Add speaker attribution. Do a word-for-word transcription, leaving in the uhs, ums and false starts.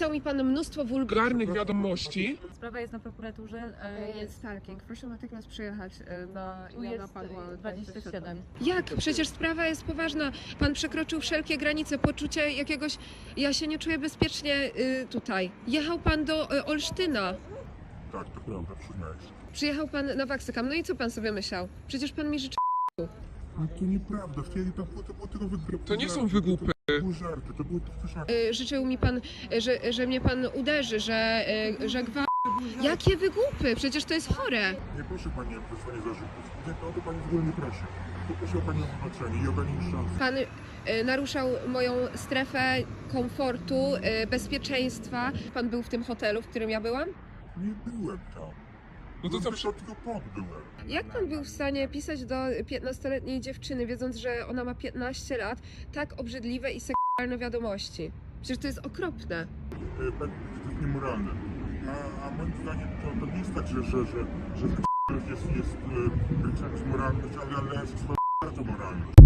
Speaker 1: Napisał mi pan mnóstwo wulgarnych wiadomości.
Speaker 2: Sprawa jest na prokuraturze. e,
Speaker 3: Jest stalking. Proszę natychmiast przyjechać na
Speaker 2: Tu jest dwadzieścia siedem.
Speaker 1: Jak? Przecież sprawa jest poważna. Pan przekroczył wszelkie granice, poczucie jakiegoś... Ja się nie czuję bezpiecznie y, tutaj. Jechał pan do y, Olsztyna.
Speaker 4: Tak, to prawda, przyznaję się.
Speaker 1: Przyjechał pan na Waksykam. No i co pan sobie myślał? Przecież pan mi życzy...
Speaker 4: No to nieprawda, wtedy to było, to było tylko wygłupy.
Speaker 5: To nie są wygłupy.
Speaker 4: To były żarty, to były tylko żarty.
Speaker 1: Y, życzył mi pan, y, że, że mnie pan uderzy, że, y, że gwa... Jakie wygłupy? Przecież to jest chore.
Speaker 4: Nie proszę pani o wysłanie zarzutów. Nie, to o to pani w ogóle nie prosi. Poproszę o pani o wybaczenie i o danie mi szansy.
Speaker 1: Pan y, naruszał moją strefę komfortu, y, bezpieczeństwa. Pan był w tym hotelu, w którym ja byłam?
Speaker 4: Nie byłem tam.
Speaker 5: No to co,
Speaker 4: Byłem tylko pod byłem.
Speaker 1: Jak pan był w stanie pisać do piętnastoletniej dziewczyny, wiedząc, że ona ma piętnaście lat, tak obrzydliwe i seksualne wiadomości? Przecież to jest okropne.
Speaker 4: E, Pani, to jest niemoralne. A, a moim zdaniem to, to nie jest tak, że, że, że, że jest, jest e, czymś moralność, ale, ale jest bardzo moralność.